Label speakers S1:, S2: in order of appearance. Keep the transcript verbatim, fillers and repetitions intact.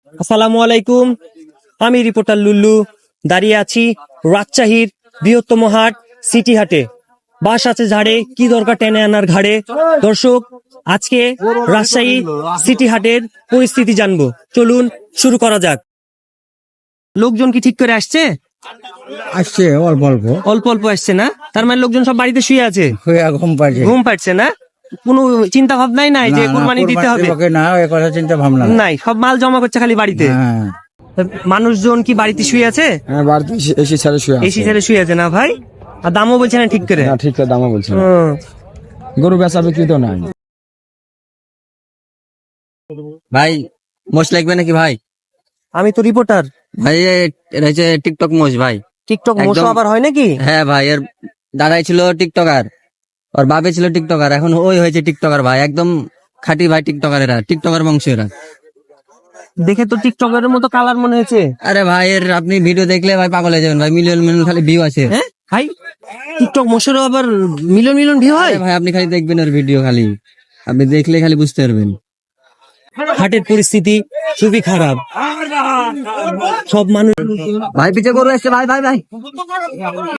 S1: আসসালামু আলাইকুম, আমি রিপোর্টার লুল্লু দাঁড়িয়ে আছি রাজশাহীর বৃহত্তম হাট সিটি হাটে। বাস আছে ঝাড়ে, কি দরকার টেনে আনার ঘাড়ে। দর্শক, আজকে রাজশাহী সিটি হাটের পরিস্থিতি জানবো, চলুন শুরু করা যাক। লোকজন কি ঠিক করে আসছে?
S2: আসছে অল্প অল্প
S1: অল্প অল্প আসছে না? তার মানে লোকজন সব বাড়িতে শুয়ে আছে,
S2: হয়ে ঘুম পাচ্ছে।
S1: ঘুম পাচ্ছে না? কোনো চিন্তা ভাবনাই নাই যে কুরবানি দিতে হবে?
S2: না, এ কথা চিন্তা ভাবনা নাই।
S1: নাই, সব মাল জমা করছে খালি বাড়িতে।
S2: হ্যাঁ,
S1: মানুষজন কি বাড়িতে শুয়ে আছে?
S3: হ্যাঁ, বাড়তি এসি ছাড়া শুয়ে আছে।
S1: এসি ছেড়ে শুয়ে আছে না ভাই? আর দামও বলছে না ঠিক করে।
S3: না, ঠিক আছে, দামও বলছে না।
S1: হুম।
S3: গরু বেচা বিক্রি তো নাই।
S4: ভাই মোষ লাগবে নাকি ভাই?
S1: আমি তো রিপোর্টার।
S4: ভাই এ- এটা হচ্ছে টিকটক মোষ ভাই।
S1: টিকটক
S4: একদম।
S1: মোশো আবার হয় নাকি?
S4: হ্যাঁ ভাই, এর দাদাই ছিল টিকটকার, ওর বাপে ছিল টিকটকার, এখন ওই হয়েছে টিকটকার ভাই। একদম খাঁটি ভাই টিকটকার, এরা টিকটকার বংশ এরা।
S1: দেখে তো টিকটকের মতো কালার মনে হয়েছে।
S4: আরে ভাই, এর আপনি ভিডিও দেখলে ভাই পাগল হয়ে যাবেন ভাই। মিলিয়ন মিলিয়ন খালি ভিউ আছে।
S1: হ্যাঁ ভাই, টিকটক মোশোরও আবার মিলিয়ন মিলিয়ন ভিউ হয়?
S4: আরে ভাই, আপনি খালি দেখবেন ওর ভিডিও, খালি আপনি দেখলে খালি বুঝতে পারবেন।
S1: হাটের পরিস্থিতি খুবই খারাপ, সব মানুষ
S4: ভাই পিছে গরু আসছে ভাই, ভাই ভাই